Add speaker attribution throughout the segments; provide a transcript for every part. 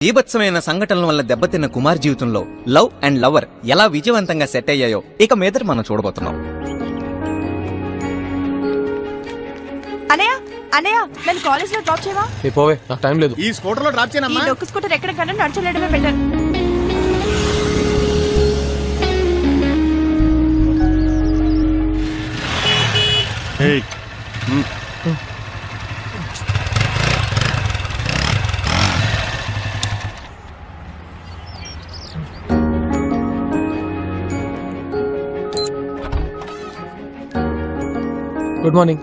Speaker 1: బీభత్సమైన సంఘటనల వల్ల దెబ్బతిన్న కుమార్ జీవితంలో లవ్ అండ్ లవర్ ఎలా విజయవంతంగా సెట్ అయ్యాయో ఇక మీదట మనం చూడబోతున్నాం.
Speaker 2: అనయ్య అనయ్య నేను కాలేజ్ లో డ్రాప్ చేయవా?
Speaker 3: పోవే, నాకు టైం లేదు.
Speaker 4: ఈ స్కూటర్ లో డ్రాప్ చేయనమ్మా.
Speaker 2: ఈ డొక్కు స్కూటర్ ఎక్కడ కన్నా నడచలేడమే బెటర్.
Speaker 3: Good morning.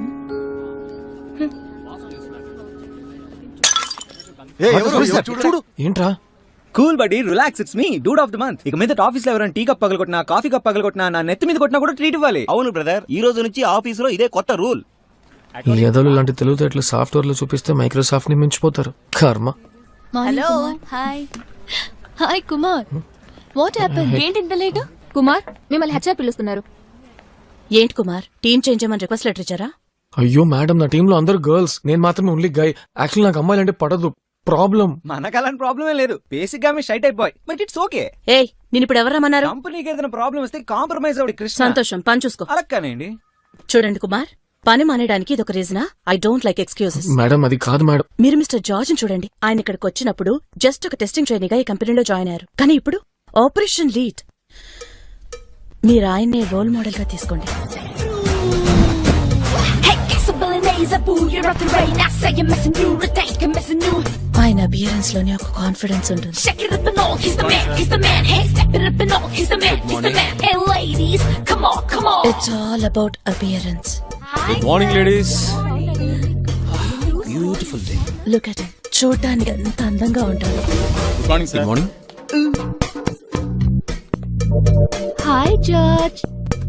Speaker 1: చూడు
Speaker 3: ఏంట్రా?
Speaker 1: Cool buddy, relax, it's me dude of the month. ఇక మీద ఆఫీస్ లో ఎవరైనా టీ కప్ పగలగొట్టినా, కాఫీ కప్ పగలగొట్టినా, నా నెత్తి మీద కొట్టినా కూడా ట్రీట్ ఇవ్వాలి.
Speaker 4: అవును బ్రదర్, ఈ రోజు నుంచి ఆఫీస్ లో ఇదే కొత్త రూల్.
Speaker 3: ఈ ఎదలు లాంటి తెలివితేటలు సాఫ్ట్వేర్ లో చూపిస్తే మైక్రోసాఫ్ట్ ని మించిపోతారు. కర్మ.
Speaker 2: Hello
Speaker 5: hi hi Kumar, what happen? ఏంటి ఇంత లేటు? కుమార్ మిమ్మల్ని హెచ్ఆర్ పిలుస్తున్నారు.
Speaker 2: ఏంటి కుమార్, టీమ్ చేంజ్ చేయమని రిక్వెస్ట్ లెటర్ ఇచ్చారా?
Speaker 3: అయ్యో మేడం, నా టీమ్ లో అందరు గర్ల్స్, నేను మాత్రమే ఓన్లీ గై. యాక్చువల్లీ నాకు అమ్మాయిలంటే పడదు. ప్రాబ్లం
Speaker 1: మనకు అలాంటి ప్రాబ్లమే లేదు. బేసిక్ గా మీ షైట్ అయిపోయి, బట్ ఇట్స్ ఓకే.
Speaker 2: ఏయ్, నేను ఇప్పుడు ఎవరమ్మన్నారు?
Speaker 1: కంపెనీకి ఏదైనా ప్రాబ్లం వస్తే కాంప్రమైజ్ అవ్వడి కృష్ణ.
Speaker 2: సంతోషం, పని చూసుకో.
Speaker 1: అలాగేనండి.
Speaker 2: చూడండి కుమార్, పని మానేయడానికి ఇదొక రీజనా? I don't like excuses.
Speaker 3: Madam, అది కాదు మేడం.
Speaker 2: మీరు మిస్టర్ జార్జ్ చూడండి, ఆయన ఇక్కడికి వచ్చినప్పుడు జస్ట్ ఒక టెస్టింగ్ ట్రైనీగా ఈ కంపెనీలో జాయిన్ అయ్యారు. కానీ ఇప్పుడు ఆపరేషన్ లీడ్. మీరు ఆయన్నే రోల్ మోడల్ గా తీసుకోండి. ఆయన అపియరెన్స్ లోనే ఒక కాన్ఫిడెన్స్ ఉంటుంది. It's all about appearance.
Speaker 3: Good morning ladies.
Speaker 1: Beautiful day.
Speaker 2: Look at him, చూడటానికి ఎంత అందంగా ఉంటాడు.
Speaker 3: Good morning sir. Good morning.
Speaker 5: Hi George,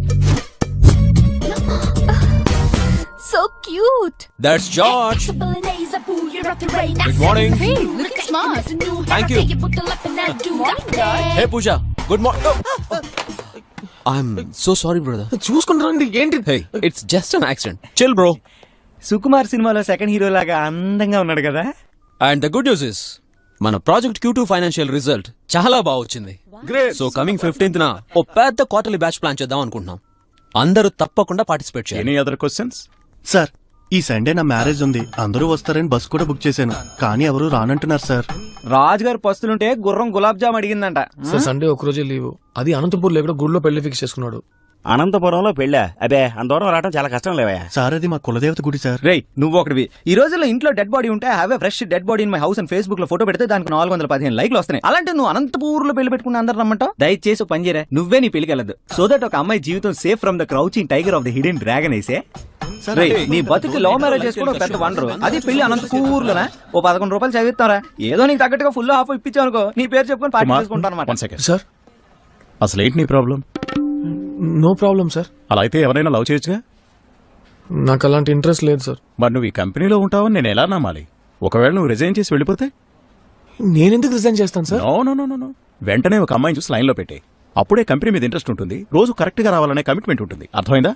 Speaker 5: so cute.
Speaker 3: That's George. Good morning.
Speaker 5: Hey, looking smart.
Speaker 3: Thank you. Hey Pooja, good morning.
Speaker 6: I'm so sorry, brother.
Speaker 3: చూసుకుని రండి. ఏంటి?
Speaker 6: Hey, it's just an accident. Chill, bro.
Speaker 1: Sukumar సినిమాలో second hero లాగా అందంగా ఉన్నాడు కదా.
Speaker 6: And the good news is, మన project Q2 financial result చాలా బాగా వచ్చింది.
Speaker 1: గ్రేట్.
Speaker 6: సో కమింగ్ 15th న ఓ పెద్ద క్వార్టర్లీ బ్యాచ్ ప్లాన్ చేద్దాం అనుకుంటున్నాం. అందరూ తప్పకుండా పార్టిసిపేట్ చేయాలి.
Speaker 4: Any other questions? సార్, ఈ సండే నా మ్యారేజ్ ఉంది, అందరూ వస్తారని బస్ కూడా బుక్ చేశాను, కానీ ఎవరు రానంటున్నారు సార్.
Speaker 1: రాజు గారు పస్తులుంటే గుర్రం గులాబ్ జామ్ అడిగిందంట.
Speaker 3: సార్ సండే ఒక రోజే లీవ్. అది అనంతపూర్ లో గుడిలో పెళ్లి ఫిక్స్ చేసుకున్నాడు.
Speaker 7: అనంతపురంలో పెళ్ళా? అబే, అంత దూరం రావడం చాలా కష్టం లేవా
Speaker 4: సార్. అది మా కులదేవత గుడి సార్.
Speaker 1: రేయ్, నువ్వు ఒకటివి. ఈ రోజుల్లో ఇంట్లో డెడ్ బాడీ ఉంటే have a fresh dead body in my house అని ఫేస్బుక్ లో ఫోటో పెడితే దానికి 415 లైక్లు వస్తున్నాయి. అలాంటి నువ్వు అనంతపూర్ లో పెళ్లి పెట్టుకుని అందరు రమ్మంటావు. దయచేసి పని చేయరా, నువ్వే నీ పెళ్లికి వెళ్ళదు. సో దట్ ఒక అమ్మాయి జీవితం safe from the crouching tiger of the hidden dragon అయితే. నీ బతుకు లవ్ మ్యారేజ్ చేసుకోవడం పెద్ద వండరు. అది పెళ్లి అనంతపూర్ లోనా? ఓ 11 రూపాయలు చదివిస్తారా? ఏదో నీకు తగ్గట్టుగా ఫుల్ హాఫ్ ఇప్పించావు అనుకో, నీ పేరు చెప్పుకొని పార్టీ చేసుకుంటాను అనమాట.
Speaker 3: సార్,
Speaker 4: అసలు ఏంటి నీ ప్రాబ్లం?
Speaker 3: No problem sir.
Speaker 4: అలా అయితే ఎవరైనా లవ్ చేయొచ్చుగా.
Speaker 3: నాకు అలాంటి ఇంట్రెస్ట్ లేదు సార్.
Speaker 4: మరి నువ్వు ఈ కంపెనీలో ఉంటావని నేను ఎలా నమ్మాలి? ఒకవేళ నువ్వు రిజైన్ చేసి వెళ్ళిపోతే?
Speaker 3: నేనెందుకు రిజైన్ చేస్తాను సార్?
Speaker 4: నో, వెంటనే ఒక అమ్మాయిని చూసి లైన్ లో పెట్టే. అప్పుడే కంపెనీ మీద ఇంట్రెస్ట్ ఉంటుంది, రోజు కరెక్ట్ గా రావాలనే కమిట్మెంట్ ఉంటుంది. అర్థమైందా?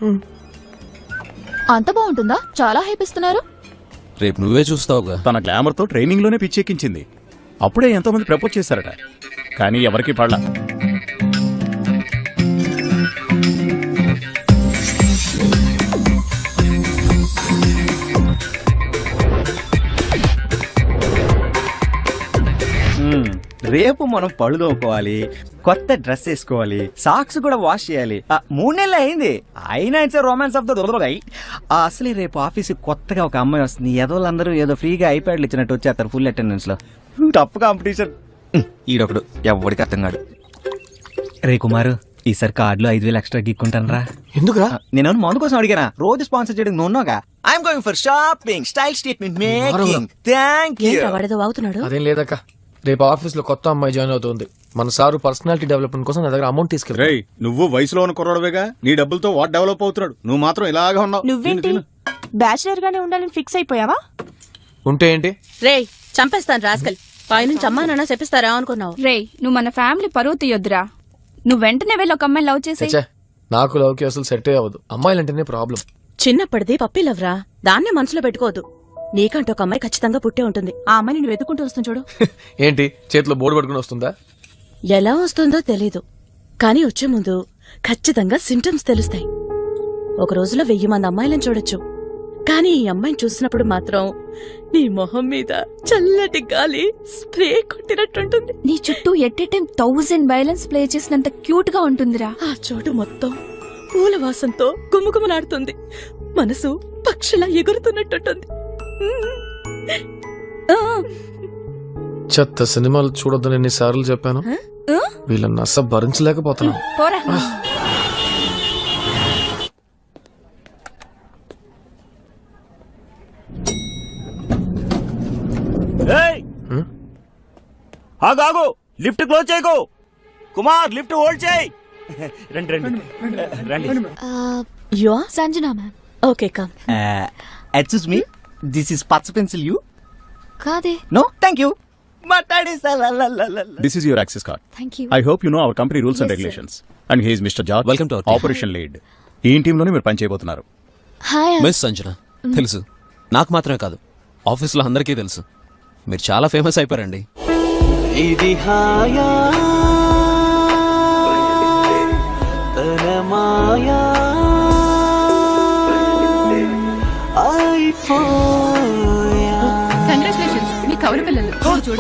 Speaker 5: అంత బాగుంటుందా? చాలా హైప్ ఇస్తున్నారు.
Speaker 6: రేపు నువ్వే చూస్తావుగా.
Speaker 4: తన గ్లామర్ తో ట్రైనింగ్ లోనే పిచ్చెక్కించింది. అప్పుడే ఎంతో మంది ప్రపోజ్ చేశారట, కానీ ఎవరికి పడలా.
Speaker 1: రేపు మనం పళ్ళు తోముకోవాలి, కొత్త డ్రెస్ వేసుకోవాలి, సాక్స్ కూడా వాష్ చేయాలి. 3 నెలలు అయింది, అయినా ఇట్స్ రొమాన్స్ ఆఫ్ ద దొరదొరగాయి. అసలు రేపు ఆఫీస్ కొత్తగా ఒక అమ్మాయి వస్తుంది. ఏదోళ్ళందరూ ఏదో ఫ్రీగా ఐప్యాడ్లు ఇచ్చినట్టు వచ్చేస్తారు ఫుల్ అటెండెన్స్ లో. Tough competition. ఈడొకడు ఎవరికి అర్థం కాడు. రే కుమారు, ఈసారి కార్డులో 5,000 ఎక్స్ట్రా గిక్కుంటాను రా.
Speaker 3: ఎందుకురా?
Speaker 1: నేను మందు కోసం అడిగానా? రోజు స్పాన్సర్ చేయడం నున్నాగా. I'm going for shopping, style statement making. Thank you.
Speaker 2: వాడేదో అవుతున్నాడు.
Speaker 3: అదేం లేదక్క, రేపు ఆఫీస్ లో కొత్త అమ్మాయి జాయిన్ అవుతుంది. మన సారు పర్సనాలిటీ డెవలప్మెంట్ కోసం నా దగ్గర అమౌంట్ తీసుకెళ్ళి.
Speaker 4: రేయ్, నువ్వు వయసులో ఉన్న కుర్రాడువేగా, నీ డబ్బులతో వాడు డెవలప్ అవుతున్నాడు, నువ్వు మాత్రం ఇలాగా ఉన్నావు.
Speaker 2: నువ్వేంటి బ్యాచిలర్ గానే ఉండాలని ఫిక్స్ అయిపోయావా?
Speaker 3: ఉంటే ఏంటి?
Speaker 2: రేయ్, చంపేస్తాను రాస్కల్. పైనుంచి అమ్మా నాన్న చెప్పిస్తారా అనుకున్నావు?
Speaker 8: రేయ్, నువ్వు మన ఫ్యామిలీ పరువు తీయొద్దురా. నువ్వు వెంటనే వెళ్ళి ఒక అమ్మాయిని లవ్ చేసే.
Speaker 3: నాకు లవ్ కి అసలు సెట్ అవ్వదు. అమ్మాయిలంటేనే ప్రాబ్లం.
Speaker 2: చిన్నప్పటిది పప్పి లవ్రా, దాన్నే మనసులో పెట్టుకోవద్దు. నీకంటూ ఒక అమ్మాయి ఖచ్చితంగా పుట్టే ఉంటుంది.
Speaker 8: ఆ అమ్మాయిని నువ్వు వెతుకుంటూ వస్తుంది చూడు.
Speaker 3: ఏంటి చేతిలో బోర్డు పట్టుకుని వస్తుందా?
Speaker 2: ఎలా వస్తుందో తెలీదు, కానీ వచ్చే ముందు ఖచ్చితంగా సింటమ్స్ తెలుస్తాయి. ఒక రోజులో 1000 మంది అమ్మాయిలను చూడొచ్చు, కానీ ఈ అమ్మాయిని చూసినప్పుడు మాత్రం నీ మొహం మీద చల్లటి గాలి స్ప్రే కొట్టినట్టుంటుంది.
Speaker 8: నీ చుట్టూ at a time 1000 violence play చేసినంత క్యూట్ గా ఉంటుందిరా.
Speaker 2: ఆ చోటు మొత్తం పూల వాసంతో గుమగుమలాడుతుంది. మనసు పక్షిలా ఎగురుతున్నట్టుంటుంది.
Speaker 3: చెత్త సినిమాలు చూడొద్దని ఎన్నిసార్లు చెప్పాను. వీళ్ళని నచ్చ భరించలేకపోతున్నాను.
Speaker 8: పోరా.
Speaker 7: ఏయ్! ఆగు ఆగు, లిఫ్ట్ క్లోజ్ చేయకు. కుమార్, లిఫ్ట్ హోల్డ్ చేయి. రండి రండి రండి.
Speaker 2: You
Speaker 5: Sanjana ma'am.
Speaker 2: Okay come.
Speaker 1: Excuse me, this is పచ్చ పెన్సిల్ యూ.
Speaker 5: కాదే.
Speaker 1: No thank you.
Speaker 9: This is your access card.
Speaker 5: Thank you.
Speaker 9: I hope you know our company rules and regulations. And he is Mr. George.
Speaker 6: Welcome to our team.
Speaker 9: Operation Lead. ఈ టీంలోనే మీరు పని చేయబోతున్నారు.
Speaker 5: Hi.
Speaker 6: Miss Sanjana తెలుసు, నాకు మాత్రమే కాదు ఆఫీస్లో అందరికీ తెలుసు. మీరు చాలా ఫేమస్ అయిపోయారండి.
Speaker 10: ఇది హాయా తన మాయా అయిపోయా
Speaker 8: కంగ్రాచులేషన్స్, మీ కవల పిల్లలు చూడు.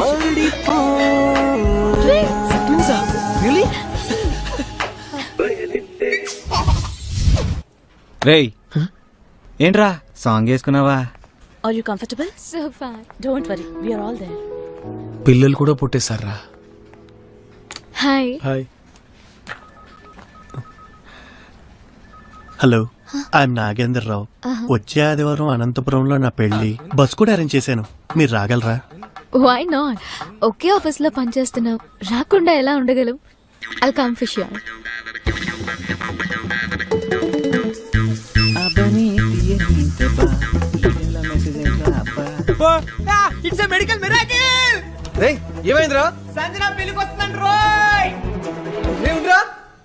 Speaker 1: రేయ్, ఏంట్రా సాంగ్ వేసుకున్నావా?
Speaker 2: Are you comfortable?
Speaker 5: So fine.
Speaker 2: Don't worry, we are all there.
Speaker 3: పిల్లలు కూడా పుట్టేశారా?
Speaker 5: Hi.
Speaker 3: Hi.
Speaker 4: Hello, I'm Nagender Rao. వచ్చే ఆదివారం అనంతపురంలో నా పెళ్లి. బస్ కూడా అరేంజ్ చేశాను, మీరు రాగలరా?
Speaker 5: Why not? ఒకే ఆఫీస్ లో పనిచేస్తున్నాం, రాకుండా ఎలా ఉండగలం? I come for sure.
Speaker 1: It's a medical miracle.
Speaker 3: రేయ్, ఏమైందిరా?
Speaker 1: సంజన పెళ్లికి వస్తున్నాను రోయ్.
Speaker 3: ఏముందిరా?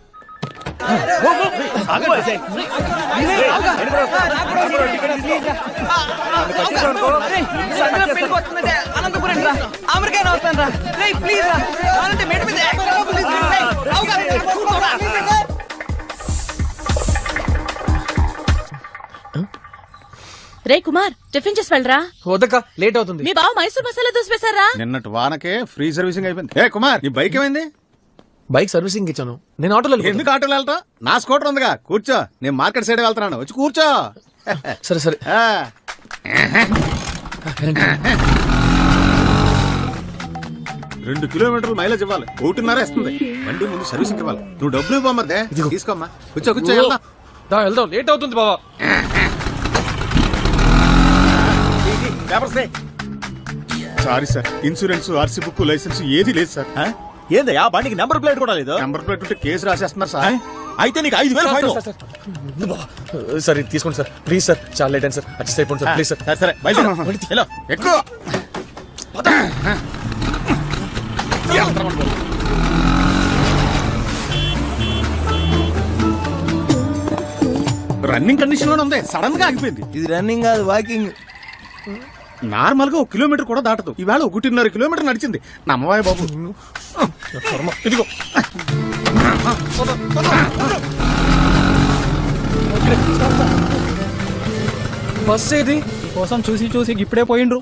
Speaker 1: సంజన పెళ్లికి వస్తుందంటే అనంతపురం రా, అమెరికా వస్తాను రా. రేయ్ ప్లీజ్ రా, అంటే మేడ మీద
Speaker 2: రే కుమార్, టిఫిన్ చేసి వెళ్ళరా.
Speaker 3: వద్దక్క, లేట్ అవుతుంది.
Speaker 2: మీ బావ మైసూర్ మసాలా దోశ వేశారా?
Speaker 9: నిన్నటి వానకే ఫ్రీ సర్వీసింగ్ అయిపోయింది. ఏ కుమార్, నీ బైక్ ఏమైంది?
Speaker 3: బైక్ సర్వీసింగ్ ఇచ్చాను, నేను ఆటోలో వెళ్ళిపోతాను.
Speaker 9: ఎందుకు ఆటోలో వెళ్తా? నా స్కూటర్ ఉందిగా, కూర్చో. నేను మార్కెట్ సైడ్ వెళ్తున్నాను, వచ్చి కూర్చో.
Speaker 3: సరే సరే.
Speaker 9: ఆ, 2 కిలోమీటర్లు మైలేజ్ ఇవ్వాలి, 1.5 ఇస్తుంది. బండి ముందు సర్వీసింగ్ ఇవ్వాలి. నువ్వు డబ్బులు ఇవ్వమ్మదే, తీసుకోమ్మా. కూర్చో కూర్చో, వెళ్దాం.
Speaker 3: దా, వెళ్దాం, లేట్ అవుతుంది బావా.
Speaker 9: Sorry sir, insurance, RC book, license ఏది లేదు సార్.
Speaker 7: ఏంది ఆ బండికి నెంబర్ ప్లేట్ కూడా లేదు?
Speaker 9: నెంబర్ ప్లేట్ ఉంటే కేసు రాసేస్తున్నారు సార్.
Speaker 7: అయితే నీకు 5,000 ఫైన్.
Speaker 3: సార్ ఇది తీసుకోండి సార్, ప్లీజ్ సార్. చాలా లేట్ అయింది సార్, అడ్జస్ట్ అయిపోండి సార్, ప్లీజ్ సార్.
Speaker 9: సరే సరే, బయలుదేరు. ఎక్కువ రన్నింగ్ కండిషన్ లోనే ఉంది, సడన్ గా ఆగిపోయింది.
Speaker 10: ఇది రన్నింగ్ కాదు, వాకింగ్.
Speaker 9: నార్మల్ గా 1 కిలోమీటర్ కూడా దాటదు, ఈవేళ 1.5 కిలోమీటర్ నడిచింది. నమ్మవాయి బాబు. ఇదిగో
Speaker 3: బస్ ఏది?
Speaker 1: కోసం చూసి చూసి ఇప్పుడే పోయిండ్రు.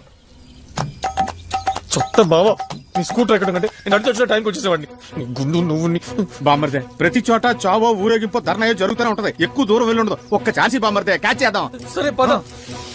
Speaker 3: చెత్త బావా, నీ స్కూటర్ ఎక్కడ కంటే నేను అడిచి వచ్చిన టైంకి వచ్చేసేవాడిని. నీ గుండు నువ్వు
Speaker 9: బామ్మర్దే, ప్రతి చోట చావో ఊరేగింపో ధర్నాయో జరుగుతూనే ఉంటది. ఎక్కువ దూరం వెళ్ళి ఉండదు. ఒక్క ఛాన్సీ బామ్మర్దే, క్యాచ్ చేద్దాం.
Speaker 3: సరే పద.